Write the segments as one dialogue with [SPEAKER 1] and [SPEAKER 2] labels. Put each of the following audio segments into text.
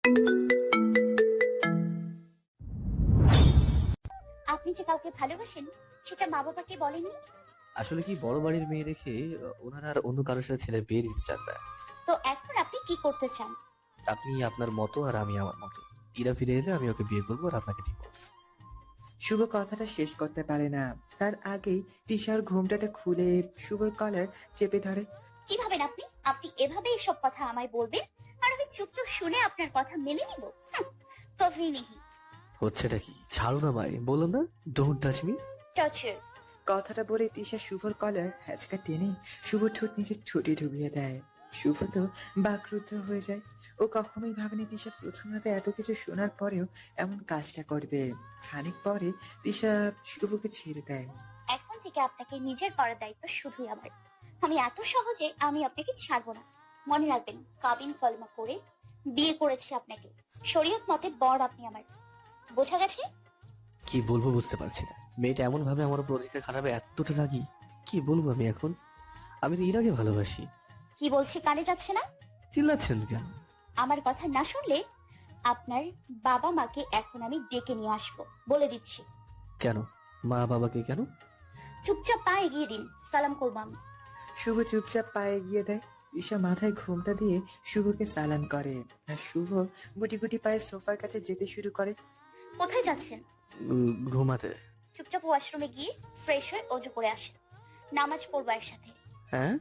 [SPEAKER 1] আপনি যে কাউকে ভালোবাসেন সেটা মা বাবাকে বলেননি?
[SPEAKER 2] আসলে কি বড় বাড়ির মেয়ে রেখে ওনারা আর অন্য কারোর সাথে ছেলে বিয়ে দিতে চান না।
[SPEAKER 1] তো এখন আপনি কি করতে চান?
[SPEAKER 2] আপনি আপনার মতো আর আমি আমার মতো। ইরা ফিরে এলে আমি ওকে বিয়ে করবো আর আপনাকে ডিভোর্স।
[SPEAKER 3] শুভ কথাটা শেষ করতে পারে না, তার আগেই তিশার ঘোমটাটা খুলে শুভর কলার চেপে ধরে।
[SPEAKER 1] কি ভাবেন আপনি আপনি এভাবে এসব কথা আমায় বলবেন আর আমি চুপচাপ শুনে আপনার কথা মেনে নিব? কভি নেহি।
[SPEAKER 2] হচ্ছেটা কি? ছাড়ো না ভাই, বলো না ডোন্ট টাচ মি।
[SPEAKER 1] টর্চার।
[SPEAKER 3] কথাটা বলে তিশা শুভর কলার হ্যাচকা টেনে শুভ ঠোঁট নিজের ঠোঁটে ডুবিয়ে দেয়। শুভ তো বাকরুদ্ধ হয়ে যায়। ও কখনোই ভাবেনি তিশা প্রথম রাতে এত কিছু শোনার পরেও এমন কাজটা করবে। খানিক পরে তিশা শুভকে ছেড়ে দেয়।
[SPEAKER 1] এখন থেকে আপনাকে নিজের করার দায়িত্ব শুধুই আমার। আমি এত সহজে আমি আপনাকে ছাড়বো না। মনে রাখবেন, কাবিন কলমা করে বিয়ে করেছি আপনাকে। শরীয়ত মতে বর আপনি আমার। বোঝা গেছে?
[SPEAKER 2] কি বলবো বুঝতে পারছি না। মেয়েটা এমন ভাবে আমার উপর অধিকার খারাপে এতটা রাগি। কি বলবো আমি এখন? আমি তো ইরাকে ভালোবাসি।
[SPEAKER 1] কি বলছি কানে যাচ্ছে না?
[SPEAKER 2] চিল্লাচ্ছেন কেন?
[SPEAKER 1] আমার কথা না শুনলে আপনার বাবা মাকে এখন আমি ডেকে নিয়ে আসবো, বলে দিচ্ছি।
[SPEAKER 2] কেন? মা বাবাকে কেন?
[SPEAKER 1] চুপচাপ পা এগিয়ে দিন, সালাম করবো আমি।
[SPEAKER 3] শুভ চুপচাপ পায়ে গিয়ে দেয়। তিশা মাথায় ঘোমটা দিয়ে শুভকে সালাম করে আর শুভ গুটি গুটি পায়ে সোফার কাছে যেতে শুরু করে।
[SPEAKER 1] কোথায় যাচ্ছেন?
[SPEAKER 2] ঘুমাতে।
[SPEAKER 1] চুপচাপ ওয়াশরুমে গিয়ে ফ্রেশ হয়ে অজু করে আসেন। নামাজ পড়বো একসাথে।
[SPEAKER 2] হ্যাঁ?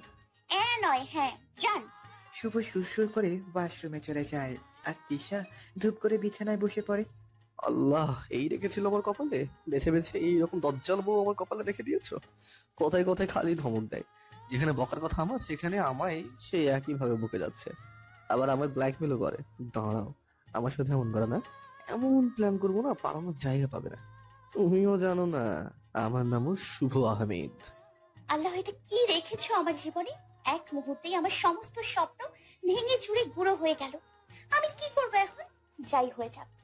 [SPEAKER 1] নয় হ্যাঁ, যান।
[SPEAKER 3] শুভ সুরসুর করে ওয়াশরুমে চলে যায় আর তিশা ধূপ করে বিছানায় বসে পড়ে।
[SPEAKER 2] আল্লাহ, এই রেখেছিল আমার কপালে? বেছে বেছে এইরকম দজ্জাল বউ আমার কপালে রেখে দিয়েছো। কথায় কথায় খালি ধমক দেয়। যেখানে বকার কথা আমার, সেখানে আমায় সে একই ভাবে বকে যাচ্ছে। আবার আমায় ব্ল্যাকমেলও করে। দাঁড়াও, আমার সাথে এমন করে না। এমন প্ল্যান করবো না, পালানোর জায়গা পাবে না। তুমিও জানো না আমার নামও শুভ আহমেদ।
[SPEAKER 1] আল্লাহ, এটা কি রেখেছো আমার জীবনে? এক মুহূর্তেই আমার সমস্ত স্বপ্ন ভেঙে চুরে গুঁড়ো হয়ে গেল। আমি কি করবো এখন? যাই হয়ে যাক।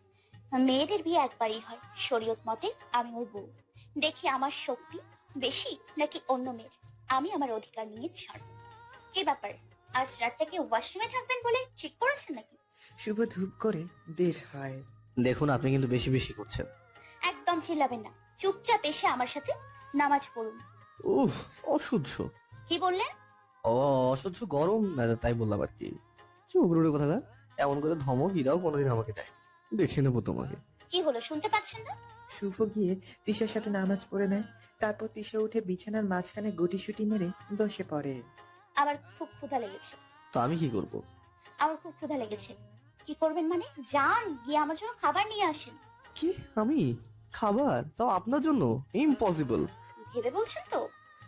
[SPEAKER 1] মেয়েদের বিয়ে একবারই হয়, শরীয়ত মতে আমি ওর বউ। দেখি আমার শক্তি বেশি নাকি অন্য মেয়ের। আমি আমার অধিকার নিয়ে ছাড়বো। কি ব্যাপার, আজ রাতটা কি ওয়াশরুমে থাকবেন বলে ঠিক করেছেন নাকি?
[SPEAKER 3] শুভ ধূপ করে বের হয়।
[SPEAKER 2] দেখুন, আপনি কিন্তু বেশি বেশি করছেন।
[SPEAKER 1] একদম চিল্লাবেন না, চুপচাপ এসে আমার সাথে নামাজ পড়ুন।
[SPEAKER 2] উফ, অসহ্য।
[SPEAKER 1] কি বললেন?
[SPEAKER 2] ও, অসহ্য গরম না, তাই বললাম আর কি। চুপ রুড়ে কথা না। এমন করে ধমক ইরাও কোনোদিন আমাকে দেয়। দেখে নেবো তোমাকে।
[SPEAKER 1] কি হলো, শুনতে পাচ্ছেন না?
[SPEAKER 3] শুভ গিয়ে তিশার সাথে নামাজ পড়ে নেয়। তারপর তিশা উঠে বিছানার মাঝখানে গুটিসুটি মেরে বসে পড়ে।
[SPEAKER 1] আমার খুব ক্ষুধা লেগেছে।
[SPEAKER 2] তো আমি কি করব?
[SPEAKER 1] আমার খুব ক্ষুধা লেগেছে। কি করবেন মানে? যান গিয়ে আমার জন্য খাবার নিয়ে আসেন।
[SPEAKER 2] কি? আমি? খাবার? তাও আপনার জন্য? ইম্পসিবল।
[SPEAKER 1] ভেবে বলছেন তো?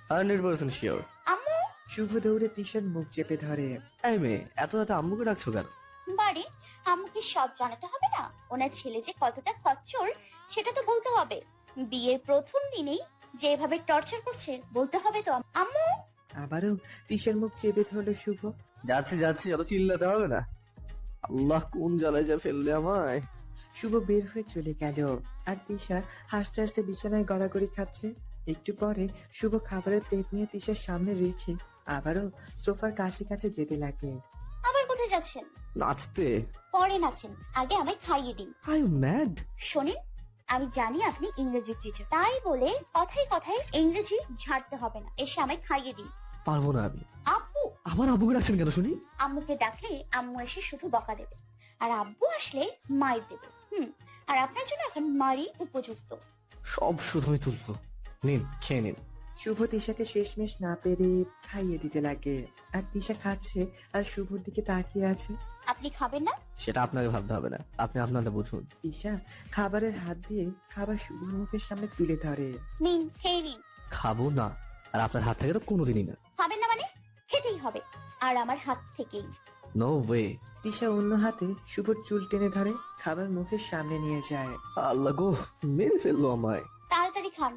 [SPEAKER 2] 100% শিওর।
[SPEAKER 1] আম্মু।
[SPEAKER 3] শুভ দৌড়ে তিশার মুখ চেপে ধরে।
[SPEAKER 2] এই মেয়ে, এত রাতে আম্মুকে ডাকছো কেন?
[SPEAKER 1] বাড়ি, আম্মুকে সব জানাতে হবে না? ওনার ছেলে যে কতটা খচ্চর সেটা তো বলতে হবে। বিয়ের প্রথম দিনেই যেভাবে টর্চার করছে বলতে হবে তো। আম্মু।
[SPEAKER 3] আবারও তিশার মুখ চেপে ধরলো শুভ।
[SPEAKER 2] যাচ্ছি যাচ্ছি, অত চিল্লাতে হবে না। আল্লাহ, কোন জ্বালায় যা ফেললে আমায়।
[SPEAKER 3] শুভ বের হয়ে চলে গেল আর তিশা হাসতে হাসতে বিছানায় গড়াগড়ি খাচ্ছে। একটু পরে শুভ খাবারের প্লেট নিয়ে তিশার সামনে রেখে আবারও সোফার কাছে কাছে যেতে লাগে।
[SPEAKER 1] আবার কোথায় যাচ্ছেন?
[SPEAKER 2] নাচতে?
[SPEAKER 1] পরে নাচেন, আগে আমায় খাইয়ে দিন।
[SPEAKER 2] I you mad?
[SPEAKER 1] শোনেন, আমি জানি আপনি ইংরেজি টিচার, তাই বলে কথায় কথায় ইংরেজি ঝাড়তে হবে না। এসে আমায় খাইয়ে দিন।
[SPEAKER 2] পারবো না আমি।
[SPEAKER 1] আব্বু।
[SPEAKER 2] আবার আব্বুকে ডাকছেন কেন শুনি?
[SPEAKER 1] আম্মুকে ডাকলে আম্মু এসে শুধু বকা দেবে, আর আব্বু আসলে মাইর দেবে। আর আপনার জন্য এখন মারি উপযুক্ত।
[SPEAKER 2] সব শুধু আমি তুলবো। নিন, খেয়ে নিন।
[SPEAKER 3] শুভ তিশাকে শেষমেশ না পেরে খাইয়ে দিতে লাগে আর তিশা খাচ্ছে আর শুভর দিকে তাকিয়ে আছে।
[SPEAKER 1] আপনি খাবেন না?
[SPEAKER 2] সেটা আপনাকে ভাবতে হবে না, আপনি আপনাদের বুঝুন।
[SPEAKER 3] তিশা খাবারের হাত দিয়ে খাবার শুভর মুখের সামনে তুলে ধরে।
[SPEAKER 1] নিন, খেয়ে নিন।
[SPEAKER 2] খাবো না। আর আপনার হাত থেকে তো কোনোদিনই না।
[SPEAKER 1] খাবেন না মানে? খেতেই হবে, আর আমার হাত থেকেই।
[SPEAKER 2] No way.
[SPEAKER 3] তিশা অন্য হাতে শুভর চুল টেনে ধরে খাবার মুখের সামনে নিয়ে যায়।
[SPEAKER 2] আল্লাহ গো, মেরে ফেললো আমায়।
[SPEAKER 1] তাড়াতাড়ি খান,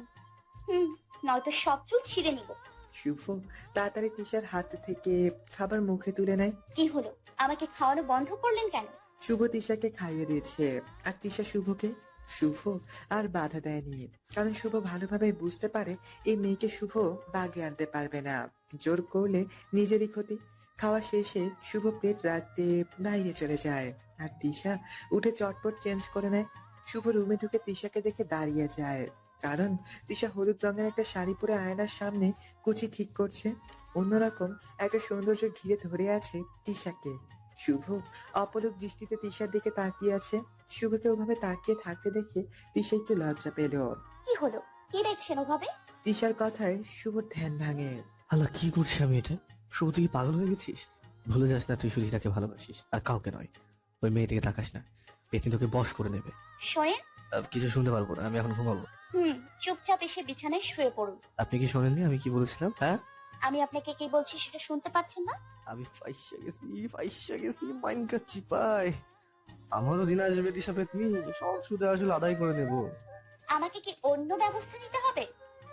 [SPEAKER 1] নয়তো সব চুল ছিঁড়ে নিব।
[SPEAKER 3] শুভ তাড়াতাড়ি তিশার হাত থেকে খাবার মুখে তুলে নেয়।
[SPEAKER 1] কি হলো, আমাকে খাওয়ানো বন্ধ করলেন কেন?
[SPEAKER 3] শুভ তিশাকে খাইয়ে দিয়েছে আর তিশা শুভকে। শুভ আর বাধা দেয়নি, কারণ শুভ ভালোভাবে বুঝতে পারে এই মেয়েকে শুভ বাগে আনতে পারবে না। জোর করলে নিজেরই ক্ষতি। খাওয়া শেষে শুভ প্লেট রাখতে বাইরে চলে যায়। আর তিশা উঠে চটপট চেঞ্জ করে নেয়। শুভ রুমে ঢুকে তিশাকে দেখে দাঁড়িয়ে যায়, কারণ তিশা হলুদ রঙের একটা শাড়ি পরে আয়নার সামনে কুচি ঠিক করছে। অন্যরকম একটা সৌন্দর্য ঘিরে ধরে আছে তিশাকে। শুভ অপলক দৃষ্টিতে তিশার দিকে তাকিয়ে আছে। শুভকে ওভাবে তাকিয়ে থাকতে দেখে তিশা একটু লজ্জা পেল।
[SPEAKER 1] কি হলো? কি দেখছেন ওভাবে?
[SPEAKER 3] তিশার কথায় শুভর ধ্যান ভাঙে।
[SPEAKER 2] আল্লাহ, কি করছি আমি এটা? শুভ, তুই কি পাগল হয়ে গেছিস? ভুলে যাস না তুই শুধু হীরাকে ভালোবাসিস, আর কাউকে নয়। ওই মেয়ে দিকে তাকাস না, পেতনি তোকে বশ করে নেবে।
[SPEAKER 1] শোনেন।
[SPEAKER 2] কিছু শুনতে পারবো না, আমি এখন ঘুমাবো।
[SPEAKER 1] চুপচাপ এসে বিছানায় শুয়ে পড়ুন।
[SPEAKER 2] আপনি কি শোনেননি আমি কি বলেছিলাম? হ্যাঁ,
[SPEAKER 1] আমি আপনাকে কি বলছি সেটা শুনতে পাচ্ছেন না?
[SPEAKER 2] আমি ফাইসা গেছি মাইন কাচ্ছি পাই। আমারও দিন আসবে দিশা পেতনি, সব সুদে আসলে আদায় করে নেব।
[SPEAKER 1] আমাকে কি অন্য ব্যবস্থা নিতে হবে?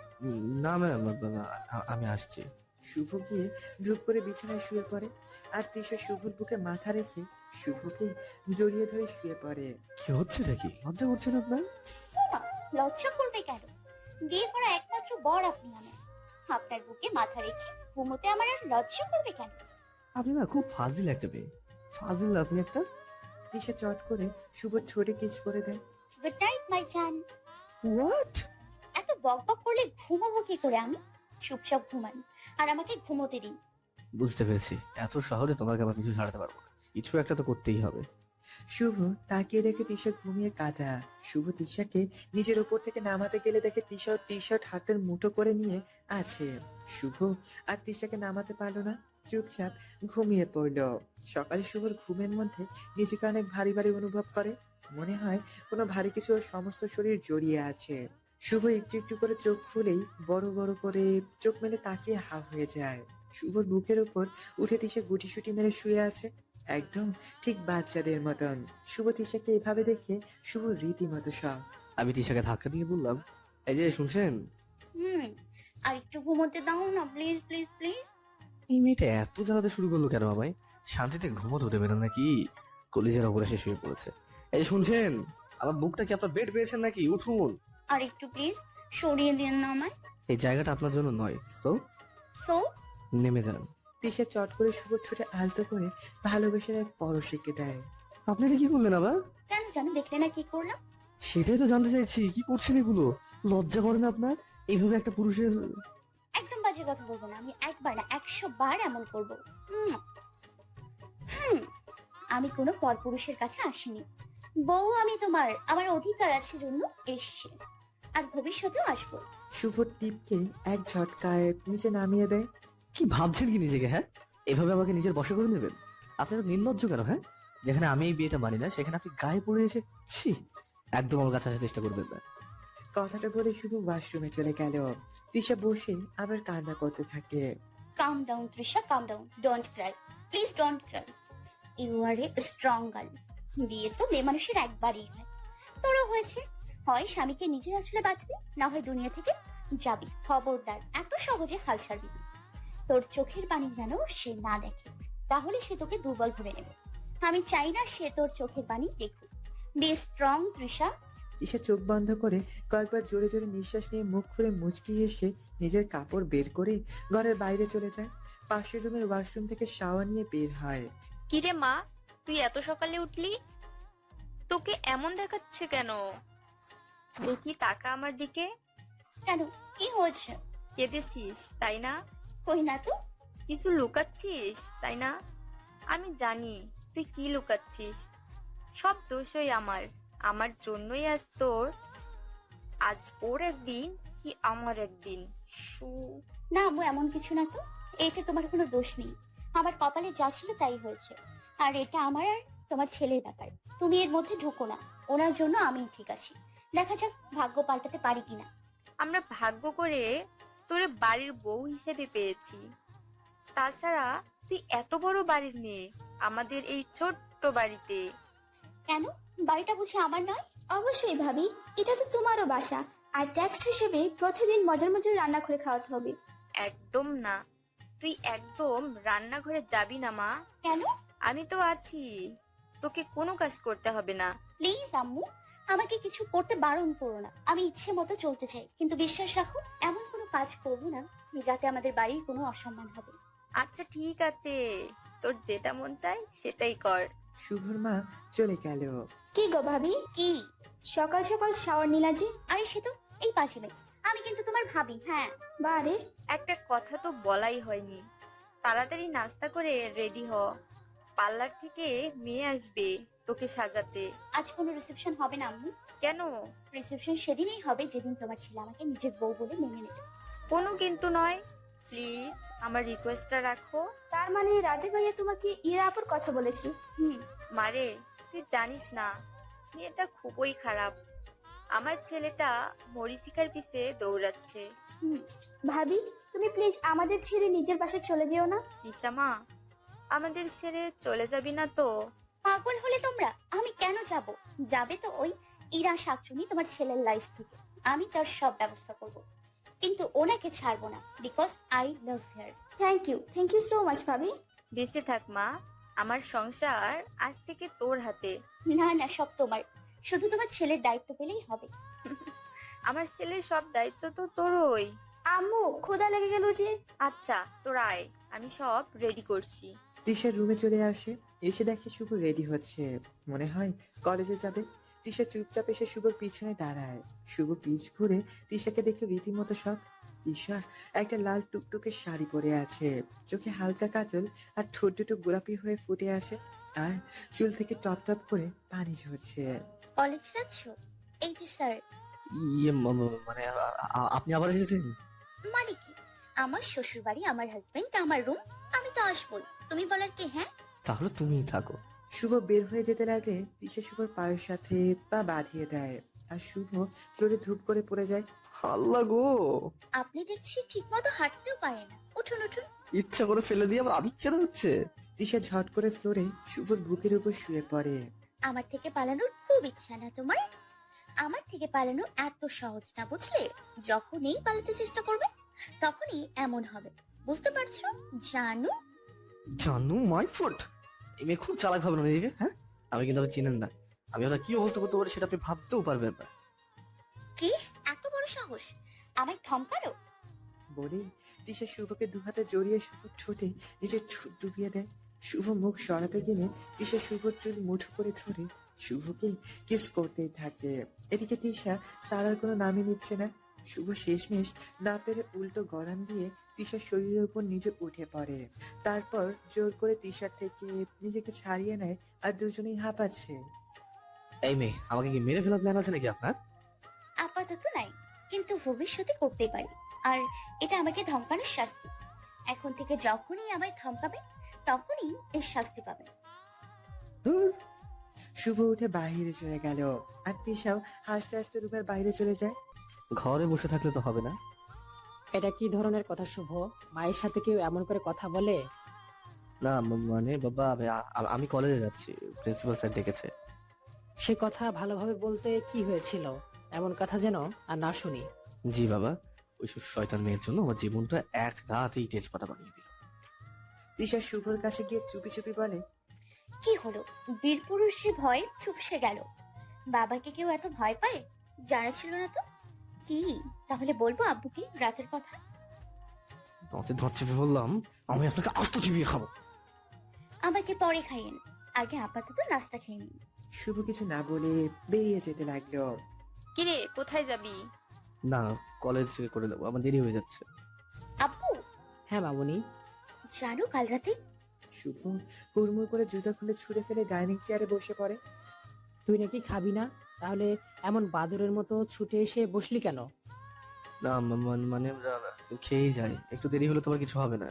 [SPEAKER 2] না ম্যাম, আমি আসছি।
[SPEAKER 3] শুভ গিয়ে ধূপ করে বিছানায় শুয়ে পড়ে, আর তিশা শুভর বুকে মাথা রেখে শুভকে জড়িয়ে ধরে শুয়ে পড়ে।
[SPEAKER 2] কি হচ্ছে নাকি? লজ্জা করছেন আপনার?
[SPEAKER 1] না, লজ্জা করবে কেন? বিয়ে করা একমাত্র বর আপনি আমার। আপনার বুকে মাথা রেখে ঘুমোতে আমার আর লজ্জা করবে কেন?
[SPEAKER 2] আপনি না খুব ফাজিল একটা মেয়ে, ফাজিল আপনি একটা।
[SPEAKER 3] তিশা চট করে শুভর ঠোঁটে কিস করে দেয়।
[SPEAKER 1] গুড নাইট মাই জান।
[SPEAKER 2] হোয়াট?
[SPEAKER 1] এত বকবক করলে ঘুমাবো কি করে আমি? চুপচাপ ঘুমান আর আমাকে ঘুমোতে দিন।
[SPEAKER 2] বুঝতে পেরেছি, এত সহজে তোমাকে আবার কিছু ছাড়াতে পারবো না, কিছু একটা তো করতেই হবে।
[SPEAKER 3] শুভ তাকিয়ে দেখে তিশা ঘুমিয়ে কাঁদা। শুভ তিশাকে নিজের ওপর থেকে নামাতে গেলে দেখে তিশা টি শার্ট হাতের মুঠো করে নিয়ে আছে। শুভ আর তিশাকে নামাতে পারলো না, চুপচাপ ঘুমিয়ে পড়লো। সকালে শুভর ঘুমের মধ্যে নিজেকে অনেক ভারী ভারী অনুভব করে। মনে হয় কোনো ভারী কিছু ওর সমস্ত শরীর জড়িয়ে আছে। শুভ একটু একটু করে চোখ খুলেই বড় বড় করে চোখ মেলে তাকিয়ে হা হয়ে যায়। শুভর বুকের উপর উঠে তিশা গুটিসুটি মেরে শুয়ে আছে, একদম ঠিক বাচ্চাদের মতন। শুভ তিশাকে এভাবে দেখে শুভ রীতিমতো শখ।
[SPEAKER 2] আমি তিশাকে ধাক্কা দিয়ে বললাম, এই যে শুনছেন?
[SPEAKER 1] আর একটু ঘুমোতে দাও না প্লিজ প্লিজ প্লিজ।
[SPEAKER 2] এই মেয়েটা এত জ্বালাতে শুরু করলো কেন আমায়? শান্তিতে ঘুমোতে দেবে না নাকি? কলিজার ওপরে সে শুয়ে পড়েছে। এই যে শুনছেন, আমার বুকটা কি আপনার বেড পেয়েছেন নাকি? উঠুন।
[SPEAKER 1] আর একটু প্লিজ সরিয়ে দিন না আমায়।
[SPEAKER 2] এই জায়গাটা আপনার জন্য নয়, তো
[SPEAKER 1] সো
[SPEAKER 2] নেমে যান।
[SPEAKER 3] তিশা চট করে শুভ ঠোঁটে আলতো করে ভালোবেসে এক পরশ এঁকে দেয়।
[SPEAKER 2] আপনি এটা কি করলেন আবার?
[SPEAKER 1] কেন জানো? দেখলে না কি করলাম?
[SPEAKER 2] সেটাই তো জানতে চাইছি, কি করছেন এগুলো? লজ্জা করে না আপনার এইভাবে একটা পুরুষের?
[SPEAKER 1] একদম বাজে কথা বলবো না, আমি একবার না 100 বার এমন করবো। হুম হুম, আমি কোনো পরপুরুষের কাছে আসিনি। বউ আমি তোমার, আমার অধিকার আছে জন্য এসছি, আর ভবিষ্যতেও আসবো।
[SPEAKER 3] শুভ টিপকে এক ঝটকায় নিচে নামিয়ে দেয়।
[SPEAKER 2] কি ভাবছেন কি নিজেকে? হ্যাঁ, এভাবে আমাকে নিজের বশে করে নেবেন? আপনারা নির্লজ্জ কেন? হ্যাঁ, যেখানে আমি এই বিয়েটা মানি না সেখানে আপনি গায়ে পড়ে এসে ছি, একদম আমার কাছে আসার চেষ্টা করবেন না।
[SPEAKER 3] কথাটা বলে শুধু ওয়াশরুমে চলে গেল। তিশা বসে আবার কান্না করতে থাকে।
[SPEAKER 1] Calm down Trisha, calm down, don't cry, please don't cry. You are a strong girl. বিয়ে তো মেয়ে মানুষের একবারই হয়, তোরও হয়েছে। হয় স্বামীকে নিজের আসলে বাঁধবি, না হয় দুনিয়া থেকে যাবি। খবরদার এত সহজে হাল ছাড়বি না। তোর চোখের পানি যেন সে না দেখে, তাহলে সে তোকে দুর্বল ভেবে নেবে। আমি চাই না সে তোর চোখের পানি দেখুক। Be strong Trisha.
[SPEAKER 3] তিশা চোখ বন্ধ করে কয়েকবার জোরে জোরে নিঃশ্বাস নিয়ে মুখ খুলে মুচকি এসে নিজের কাপড় বের করে ঘরের বাইরে চলে যায়। পাশের রুমের ওয়াশরুম থেকে শাওয়ার নিয়ে বের হয়।
[SPEAKER 4] কিরে মা, তুই এত সকালে উঠলি? তোকে এমন দেখাচ্ছে কেন? দেখি তাকা আমার দিকে।
[SPEAKER 1] কেন, কি হয়েছে?
[SPEAKER 4] কেঁদেছিস তাই না?
[SPEAKER 1] কই না তো।
[SPEAKER 4] কিছু লুকাচ্ছিস তাই না? আমি জানি তুই কি লুকাচ্ছিস। সব দোষই আমার, আমার জন্যই আজ ওর একদিন কি আমার একদিন।
[SPEAKER 1] না আম্মু, এমন কিছু না তো। এতে তোমার কোনো দোষ নেই। আমার কপালে যা ছিল তাই হয়েছে, আর এটা আমার আর তোমার ছেলের ব্যাপার। তুমি এর মধ্যে ঢুকো না। ওনার জন্য আমি ঠিক আছি, দেখা যাক ভাগ্য পাল্টাতে পারি কিনা।
[SPEAKER 4] আমরা ভাগ্য করে তোরে বাড়ির বউ হিসেবে পেয়েছি। তাছাড়া তুই এত বড় বাড়ির মেয়ে আমাদের এই ছোট্ট বাড়িতে।
[SPEAKER 1] কেন, বাড়িটা বুঝি আমার নয়?
[SPEAKER 5] অবশ্যই ভাবি, এটা তো তোমারও বাসা, আর ট্যাক্স হিসেবে প্রতিদিন মজার মজার রান্না করে খাওয়াতে হবে।
[SPEAKER 4] একদম না, তুই একদম রান্নাঘরে যাবি না মা।
[SPEAKER 1] কেন?
[SPEAKER 4] আমি তো আছি, তোকে কোনো কাজ করতে হবে না।
[SPEAKER 1] প্লিজ আম্মু, আমাকে কিছু করতে বারণ করো না। আমি ইচ্ছে মতো চলতে চাই, কিন্তু বিশ্বাস রাখো এমন কোনো কাজ করবো না যাতে আমাদের বাড়ির কোনো অসম্মান হবে।
[SPEAKER 4] আচ্ছা ঠিক আছে, তোর যেটা মন চায় সেটাই কর।
[SPEAKER 3] শুভর মা চলে গেল।
[SPEAKER 5] কি গো ভাবি,
[SPEAKER 1] কি?
[SPEAKER 5] সকাল সকাল শাওয়ার নিলা যে?
[SPEAKER 1] আরে সে তো এই পাশে নেই। আমি কিন্তু তোমার ভাবি। হ্যাঁ,
[SPEAKER 5] বারে,
[SPEAKER 4] একটা কথা তো বলাই হয়নি। তাড়াতাড়ি নাস্তা করে রেডি হ, পার্লার থেকে মেয়ে আসবে তোকে সাজাতে।
[SPEAKER 1] আজ কোনো রিসেপশন হবে না আম্মু।
[SPEAKER 4] কেন?
[SPEAKER 1] রিসেপশন সেদিনই হবে যেদিন তোমার ছেলে আমাকে নিজের বউ বলে মেনে নেবে।
[SPEAKER 4] কোনো কিন্তু নয়, প্লিজ আমার রিকোয়েস্টটা রাখো।
[SPEAKER 5] তার মানে রাতে ভাইয়া তোমাকে ইরা আপুর কথা বলেছি?
[SPEAKER 1] হুম।
[SPEAKER 4] মারে, তুই জানিস না মেয়েটা খুবই খারাপ। আমার ছেলেটা মরিচিকার পিছে দৌড়াচ্ছে।
[SPEAKER 1] হুম।
[SPEAKER 5] ভাবি, তুমি প্লিজ আমাদের ছেড়ে নিজের বাসায় চলে যেও না।
[SPEAKER 4] নিশামা, আমাদের ছেড়ে চলে যাবি না তো?
[SPEAKER 1] পাগল হলে তোমরা? আমি কেন যাব? যাবে তো ওই ইরা শাকচুনি তোমার ছেলের লাইফ থেকে। আমি তার সব ব্যবস্থা করব, কিন্তু ওনাকে ছাড়বো না, because I love her.
[SPEAKER 5] Thank you so much ভাবি।
[SPEAKER 4] বেঁচে থাক মা, আমার সংসার আজ থেকে তোর হাতে।
[SPEAKER 1] না না, সব তোমার। শুধু তোমার ছেলের দায়িত্ব পেলেই হবে।
[SPEAKER 4] আমার ছেলের সব দায়িত্ব তো তোরই।
[SPEAKER 5] আম্মু, ক্ষুধা লেগে গেল যে।
[SPEAKER 4] আচ্ছা তোর আয়, আমি সব রেডি করছি।
[SPEAKER 3] তিশা রুমে চলে আসে, এসে দেখে শুভ রেডি হচ্ছে, মনে হয় কলেজে যাবে। তিশা চুপচাপ এসে শুভর পিছনে দাঁড়ায়। শুভ পিছ ঘুরে তিশাকে দেখে রীতিমতো শখ। তিশা একটা লাল টুকটুকে শাড়ি পরে আছে, চোখে হালকা কাজল, আর ঠোঁট দুটো গোলাপি হয়ে ফুটে আছে, আর চুল থেকে টপ টপ করে পানি ঝরছে।
[SPEAKER 1] কলেজ যাচ্ছ? এই যে স্যার।
[SPEAKER 2] মানে আপনি আবার এসেছেন?
[SPEAKER 1] মানে কি? আমার শ্বশুর বাড়ি, আমার হাজবেন্ড, আমার রুম, আমি তো আসবোই। তুমি বলার কি? হ্যাঁ,
[SPEAKER 2] তাহলে তুমিই থাকো।
[SPEAKER 3] শুভ বের হয়ে যেতে লাগলে তিশা শুভর পায়ের সাথে পা বাঁধিয়ে দেয়, আর শুভ ফ্লোরে ধূপ করে পড়ে যায়।
[SPEAKER 2] আল্লাহ গো,
[SPEAKER 1] আপনি দেখছি ঠিক মতো হাঁটতেও পারে না। উঠুন উঠুন।
[SPEAKER 2] ইচ্ছা করে ফেলে দিয়ে আবার আদিক্ষেতা হচ্ছে।
[SPEAKER 3] তিশা ঝট করে ফ্লোরে শুভর বুকের উপর শুয়ে পড়ে।
[SPEAKER 1] আমার থেকে পালানোর খুব ইচ্ছা না তোমার? আমার থেকে পালানো এত সহজ না, বুঝলে? যখনই পালাতে চেষ্টা করবে তখনই এমন হবে, বুঝতে পারছো? জানু।
[SPEAKER 2] জানু মাই ফুট। এই মেয়ে খুব চালাক হবে না নিজেকে, হ্যাঁ? আমি কিন্তু আপনি চিনেন না, আমি ওটা কি অবস্থা করতে পারি সেটা আপনি ভাবতেও পারবেন না।
[SPEAKER 1] কি এত বড় সাহস আমায় ধমকালো?
[SPEAKER 3] বলে তিশা শুভকে দুহাতে জড়িয়ে শুভর ঠোঁটে নিজের ঠোঁট ডুবিয়ে দেয়। শুভ মুখ সরাতে গেলে তিশা শুভর চুল মুঠো করে ধরে শুভকে কিস করতেই থাকে। এদিকে তিশা সারার কোনো নামই নিচ্ছে না। শুভ শেষমেশ না পেরে উল্টো গড়ান দিয়ে তিশার শরীরের উপর নিজে উঠে পড়ে, তারপর জোর করে তিশার থেকে নিজেকে ছাড়িয়ে নেয়, আর দুজনেই হাঁপাচ্ছে।
[SPEAKER 2] এই মেয়ে, আমাকে কি মেরে ফেলার প্ল্যান আছে নাকি আপনার?
[SPEAKER 1] আপাতত নাই, কিন্তু ভবিষ্যতে করতে পারি। আর এটা আমাকে ধমকানোর শাস্তি। এখন থেকে যখনই আমায় ধমকাবে তখনই এর শাস্তি পাবে।
[SPEAKER 2] ধুর,
[SPEAKER 3] শুভ উঠে বাইরে চলে গেল, আর তিশাও হাসতে হাসতে রুমের বাইরে চলে যায়।
[SPEAKER 2] ঘরে বসে থাকলে তো হবে না।
[SPEAKER 6] এটা কি ধরনের কথা শুভ? মায়ের সাথে কেউ এমন করে কথা বলে?
[SPEAKER 2] না মানে বাবা, আমি কলেজে যাচ্ছি, প্রিন্সিপাল স্যার ডেকেছে।
[SPEAKER 6] সে কথা ভালোভাবে বলতে কি হয়েছিল? এমন কথা যেন আর না শুনি।
[SPEAKER 2] জি বাবা, ওই শয়তান মেয়ের জন্য আমার জীবনটা এক রাতেই তেজপাতা বানিয়ে দিল।
[SPEAKER 3] তিশা শুভর কাছে গিয়ে চুপি চুপি বলে,
[SPEAKER 1] কি হলো? বীরপুরুষ সে ভয়ে চুপসে গেল। বাবাকে কেউ এত ভয় পায়? জানা ছিল না তো। কি তাহলে বলবো আব্বুকে রাতের কথা?
[SPEAKER 2] তোমাকে ধর চেপে বললাম, আমি আপনাকে আস্ত চিবিয়ে খাবো।
[SPEAKER 1] আমাকে পরে খাইয়েন, আগে আপাতত নাস্তা খেয়ে নিন।
[SPEAKER 3] শুভ কিছু না বলে বেরিয়ে যেতে লাগলো।
[SPEAKER 4] কিরে, কোথায় যাবি?
[SPEAKER 2] না, কলেজ করে দেবো, আমার দেরি হয়ে যাচ্ছে।
[SPEAKER 1] আব্বু,
[SPEAKER 6] হ্যাঁ মামুনি।
[SPEAKER 1] জানো কাল রাতে?
[SPEAKER 3] শুভ হুড়মুড় করে জুতা খুলে ছুঁড়ে ফেলে ডাইনিং চেয়ারে বসে পড়ে।
[SPEAKER 6] তুই নাকি খাবি না? তাহলে এমন বাদুরের মতো ছুটে এসে বসলি কেন?
[SPEAKER 2] না মানে খেয়েই যাই, একটু দেরি হলে তোমার কিছু হবে না।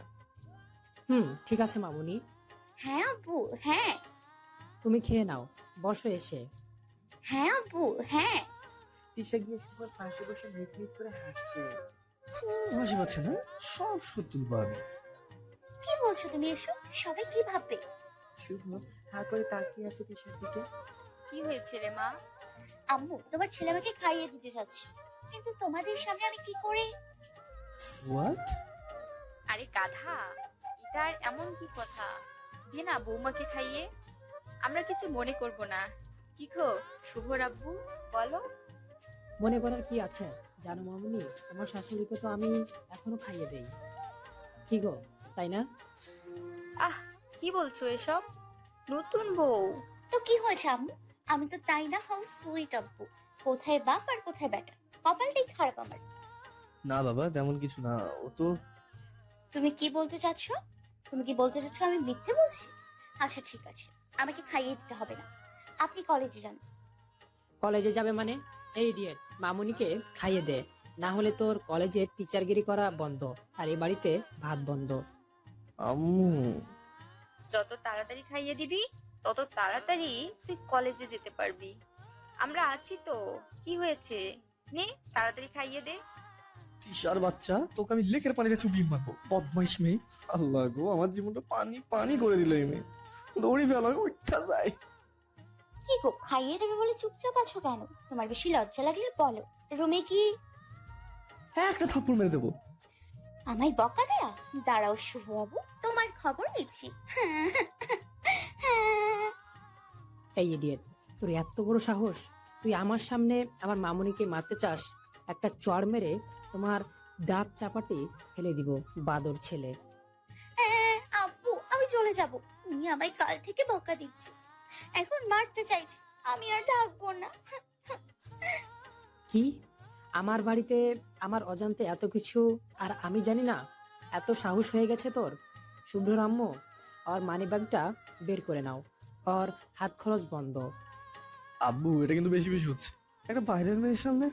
[SPEAKER 6] ঠিক আছে মামুনি,
[SPEAKER 1] হ্যাঁ আব্বু, হ্যাঁ।
[SPEAKER 6] তুমি খেয়ে নাও, বসো এসে।
[SPEAKER 1] হ্যাঁ আব্বু, হ্যাঁ।
[SPEAKER 3] তিশা গিয়ে শুভর পাশে বসে মিট মিট করে হাসছে।
[SPEAKER 2] হাসি পাচ্ছে না, সব সত্যি পারবে।
[SPEAKER 1] কি বলছো তুমি এসব? সবাই কি ভাববে?
[SPEAKER 3] শুভ হা করে তাকিয়ে আছে তিশার দিকে।
[SPEAKER 4] কি হয়েছে রে মা?
[SPEAKER 1] আম্মু, তোমার ছেলে আমাকে খাইয়ে দিতে যাচ্ছে, কিন্তু তোমাদের সামনে আমি কি করে?
[SPEAKER 2] হোয়াট?
[SPEAKER 4] আরে গাধা, এটা আর এমন কি কথা? দে না বৌমাকে খাইয়ে, আমরা কিছু মনে করব না। কি গো শুভ আব্বু, বলো।
[SPEAKER 6] মনে করার কি আছে? জানো মামুনি, তোমার শাশুড়িকে তো আমি এখনো খাইয়ে দেই। কি গো, তাই না?
[SPEAKER 4] আহ, কি বলছো এসব? নতুন বউ।
[SPEAKER 1] তো কি হয়েছে আম্মু? আমি তো তাই না, হাউ সুইট আব্বু। কোথায় বাপ আর কোথায় বেটা? কপালটাই খারাপ আমার।
[SPEAKER 2] না বাবা, তেমন কিছু না। ও তো
[SPEAKER 1] তুমি কি বলতে চাচ্ছ? তুমি কি বলতে চাচ্ছ আমি মিথ্যে বলছি? আচ্ছা ঠিক আছে, আমাকে খাইয়ে দিতে হবে না। আপনি কলেজে যান।
[SPEAKER 6] কলেজে যাবে মানে? এই ইডিয়েট, মামুনিকে খাইয়ে দে, না হলে তোর কলেজে টিচারগিরি করা বন্ধ আর এই বাড়িতে ভাত বন্ধ।
[SPEAKER 2] আম্মু।
[SPEAKER 4] যত তাড়াতাড়ি খাইয়ে দিবি তত তাড়াতাড়ি তুই কলেজে যেতে পারবি। আমরা আছি তো, কি হয়েছে? নে তাড়াতাড়ি খাইয়ে দে।
[SPEAKER 2] তিশার বাচ্চা, তোকে আমি লেকের পানিতে চুবিয়ে মারবো, বদমাইশ মেয়ে। আল্লাহ গো, আমার জীবনটা পানি পানি করে দিল এই মেয়ে। দৌড়ি ফেলা উঠা যায়।
[SPEAKER 1] কি গো, খাইয়ে দেবে বলে চুপচাপ আছো কেন? তোমার বেশি লজ্জা লাগলে বলো। রুমে কি?
[SPEAKER 2] হ্যাঁ, একটা থাপ্পড় মেরে দেবো।
[SPEAKER 1] আমায় বকা দেয়া? দাঁড়াও শুভ বাবু, তোমার খবর নিচ্ছি।
[SPEAKER 6] এই ইডিয়েট, তোর এত বড় সাহস, তুই আমার সামনে আমার মামুনিকে মারতে চাস? একটা চড় মেরে তোমার দাঁত চাপাটি ফেলে দিব, বাদর ছেলে।
[SPEAKER 1] আব্বু, আমি চলে যাব। তুমি আমায় কাল থেকে বকা দিচ্ছি, এখন মারতে চাইছি। আমি আর থাকবো না।
[SPEAKER 6] কি? আমার বাড়িতে আমার অজান্তে এত কিছু আর আমি জানি না? এত সাহস হয়ে গেছে তোর? শুভ্র আম্মু, ওর মানিব্যাগটা বের করে নাও, ওর হাত খরচ বন্ধ।
[SPEAKER 2] আব্বু, এটা কিন্তু বেশি বেশি হচ্ছে। একটা বাইরের মেয়ের সামনে।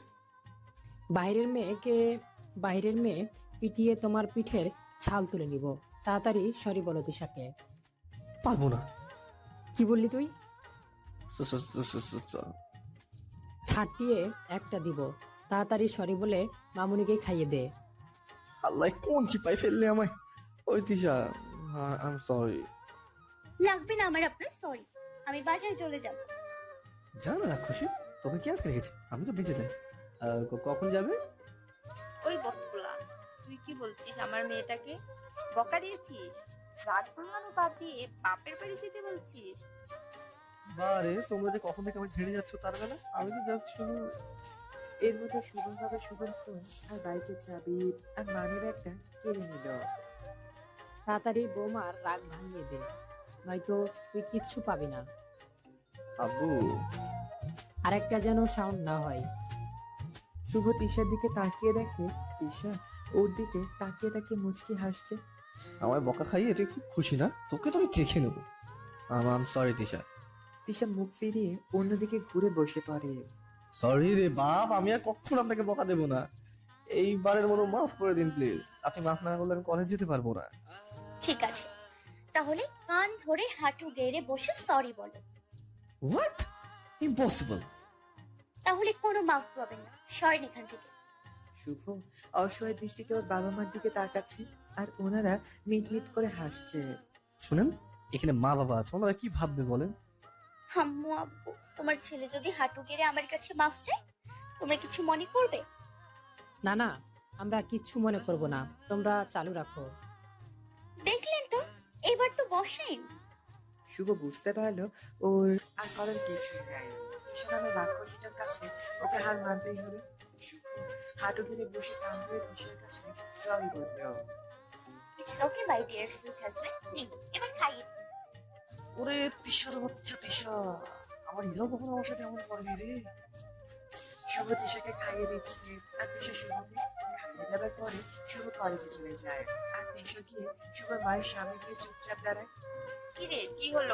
[SPEAKER 6] বাইরের মেয়ে পিটিয়ে তোমার পিঠের ছাল তুলে নিব। তাড়াতাড়ি সরি বলো তিশাকে।
[SPEAKER 2] পারবো না।
[SPEAKER 6] কি বললি তুই?
[SPEAKER 2] স- স- স- স- স-
[SPEAKER 6] ছাটিয়ে একটা দিব। তাড়াতাড়ি সরি বলে মামুনিকে খাইয়ে দে।
[SPEAKER 2] আল্লাহ, কোন চিপাই ফেললে আমায়। ওই তিশা, আই এম সরি।
[SPEAKER 1] লাগবে না আমার আপনার সরি। আমি বাসায় চলে যাব।
[SPEAKER 2] জানা না খুশি, তোকে কি আর রেখেছে? আমি তো বেঁচে যাই। কখন যাবে?
[SPEAKER 4] ওই বকগুলা, তুই কি বলছিস? আমার মেয়েটাকে বকা দিয়েছিস? রাত ভাঙানো বাদ দিয়ে বাপের বাড়ি যেতে বলছিস?
[SPEAKER 2] বারে, তোমরা যে কখন থেকে আমার ছেড়ে যাচ্ছ তার বেলা, আমি তো জাস্ট শুধু।
[SPEAKER 3] এর মধ্যে শুভম ফোন আর বাইকের চাবি আর মানি ব্যাগটা কেড়ে নিল।
[SPEAKER 6] তাড়াতাড়ি বৌমার রাগ ভাঙিয়ে দে, নয়তো তুই কিচ্ছু পাবি না।
[SPEAKER 2] আব্বু।
[SPEAKER 6] আর একটা যেন সাউন্ড না হয়।
[SPEAKER 3] শুভ তিশার দিকে তাকিয়ে দেখে তিশা ওর দিকে তাকিয়ে তাকিয়ে মুচকি হাসছে।
[SPEAKER 2] আমার বকা খাইয়ে তুই খুব খুশি না? তোকে তো আমি দেখে নেবো। আম সরি তিশা।
[SPEAKER 3] তিশা মুখ ফিরিয়ে অন্যদিকে ঘুরে বসে পড়ে।
[SPEAKER 2] সরি রে বাপ, আমি আর কখনো আপনাকে বকা দেবো না। এইবারের মতো মাফ করে দিন প্লিজ। আপনি মাফ না করলে আমি কলেজ যেতে পারবো না।
[SPEAKER 1] ঠিক আছে, তাহলে কান ধরে হাঁটু গেড়ে বসে সরি বলো।
[SPEAKER 2] হোয়াট? ইম্পসিবল।
[SPEAKER 1] তাহলে কোনো মাফ পাবেন না, সরেন এখান থেকে।
[SPEAKER 3] শুভ অসহায় দৃষ্টিতে ওর বাবা মার দিকে তাকাচ্ছে আর ওনারা মিটমিট করে হাসছে।
[SPEAKER 2] শুনেন, এখানে মা বাবা আছে, ওনারা কি ভাববে বলেন?
[SPEAKER 1] আম্মু আব্বু, তোমার ছেলে যদি হাঁটু গেড়ে আমার কাছে মাফ চায়, তোমরা কিছু মনে করবে?
[SPEAKER 6] না না, আমরা কিচ্ছু মনে করব না, তোমরা চালু রাখো।
[SPEAKER 1] দেখলেন তো, এবার তো বসেন।
[SPEAKER 3] শুভ বুঝতে পারলো ওর আর করার কিছুই নাই। তিশা নামে রাক্ষসীটার কাছে ওকে হার মানতেই হবে। শুভ হাঁটু গেড়ে বসে কান ধরে তিশার কাছে সরি বললো।
[SPEAKER 1] It's okay my dear sweet husband, নিন এবার খাইয়ে দিন।
[SPEAKER 2] ওরে তিশার বাচ্চা তিশা, আমার ইলাও কখনো আমার সাথে এমন করেনি রে।
[SPEAKER 3] শুভ তিশাকে খাইয়ে দিচ্ছে আর তিশা শুভকে খাইয়ে দেওয়ার পরে শুভ কলেজে চলে যায় আর তিশা গিয়ে শুভর মায়ের সামনে গিয়ে চুপচাপ দাঁড়ায়।
[SPEAKER 4] কি রে, কি হলো?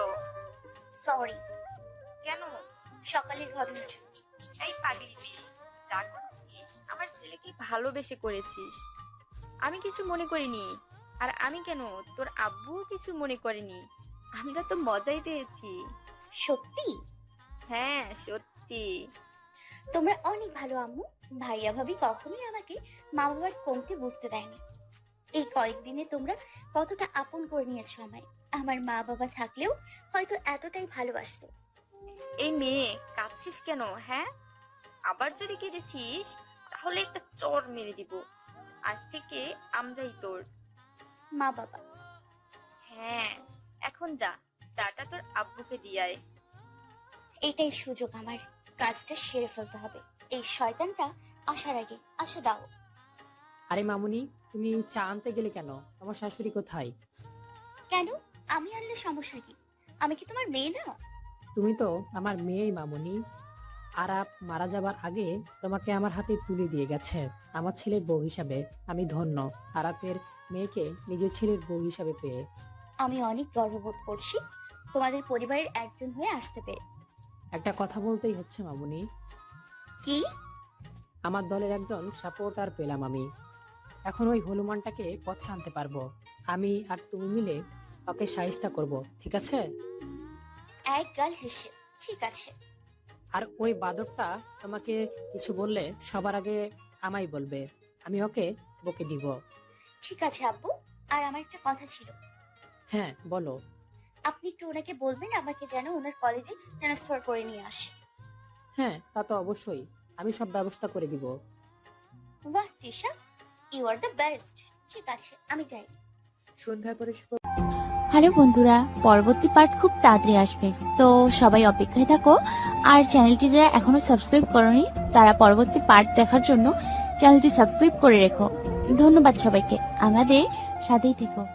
[SPEAKER 1] সরি,
[SPEAKER 4] কেন?
[SPEAKER 1] সকালের ঘটনাটা।
[SPEAKER 4] এই পাগলি মেয়ে, যা করেছিস আমার ছেলেকে ভালোবেসে করেছিস। আমি কিছু মনে করিনি। আর আমি কেন, তোর আব্বুও কিছু মনে করেনি। আমরা তো মজাই পেয়েছি।
[SPEAKER 1] সত্যি?
[SPEAKER 4] হ্যাঁ সত্যি।
[SPEAKER 1] তোমরা অনেক ভালো আম্মু। ভাইয়া ভাবি কখনোই আমাকে মা বাবার কমতে বুঝতে দেয়নি। এই কয়েকদিনে তোমরা কতটা আপন করে নিয়েছো আমায়। আমার মা বাবা থাকলেও হয়তো এতটাই ভালোবাসতো।
[SPEAKER 4] এই মেয়ে, কাঁদছিস কেন? হ্যাঁ, আবার যদি কেঁদেছিস তাহলে একটা চড় মেরে দিব। আজ থেকে আমরাই তোর
[SPEAKER 1] মা বাবা।
[SPEAKER 4] হ্যাঁ, এখন যা, চাটা তোর আব্বুকে দিয়ায়।
[SPEAKER 1] এটাই সুযোগ আমার, কাজটা সেরে ফেলতে হবে। এই শয়তানটা আসার আগে আসা দাও।
[SPEAKER 6] আরে মামুনি, তুমি চা আনতে গেলে কেন? তোমার শাশুড়ি কোথায়?
[SPEAKER 1] কেন? আমি আনলে সমস্যা কি? আমি কি তোমার মেয়ে না?
[SPEAKER 6] তুমি তো আমার মেয়েই মামুনি। আরাপ মারা যাবার আগে তোমাকে আমার হাতে তুলে দিয়ে গেছে আমার ছেলের বউ হিসাবে। আমি ধন্য আরাপের মেয়েকে নিজের ছেলের বউ হিসাবে পেয়ে।
[SPEAKER 1] আমি অনেক গর্ববোধ করছি তোমাদের পরিবারের একজন হয়ে আসতে পেরে।
[SPEAKER 6] একটা কথা বলতেই হচ্ছে মামুনি,
[SPEAKER 1] কি?
[SPEAKER 6] আমার দলের একজন সাপোর্টার পেলাম আমি। এখন ওই হনুমানটাকে পথে আনতে পারবো। আমি আর তুমি মিলে ওকে সাহিস্তা করব, ঠিক আছে?
[SPEAKER 1] এক গাল হেসে ঠিক আছে।
[SPEAKER 6] আর ওই বাদরটা তোমাকে কিছু বললে সবার আগে আমায় বলবে, আমি ওকে বকে দিব।
[SPEAKER 1] ঠিক আছে আব্বু। আর আমার একটা কথা ছিল।
[SPEAKER 6] হ্যাঁ বলো।
[SPEAKER 1] আপনি একটু ওনাকে বলবেন আমাকে যেন ওনার কলেজে ট্রান্সফার করে নিয়ে আসে।
[SPEAKER 6] হ্যাঁ তা তো অবশ্যই, আমি সব ব্যবস্থা করে দিব।
[SPEAKER 1] বাহ Tisha, you are the best. ঠিক আছে আমি যাই।
[SPEAKER 3] সন্ধ্যার পরে শুভ
[SPEAKER 7] হ্যালো বন্ধুরা, পরবর্তী পার্ট খুব তাড়াতাড়ি আসবে, তো সবাই অপেক্ষায় থাকো। আর চ্যানেলটি যারা এখনো সাবস্ক্রাইব করনি তারা পরবর্তী পার্ট দেখার জন্য চ্যানেলটি সাবস্ক্রাইব করে রেখো। ধন্যবাদ সবাইকে, আমাদের সাথেই থেকো।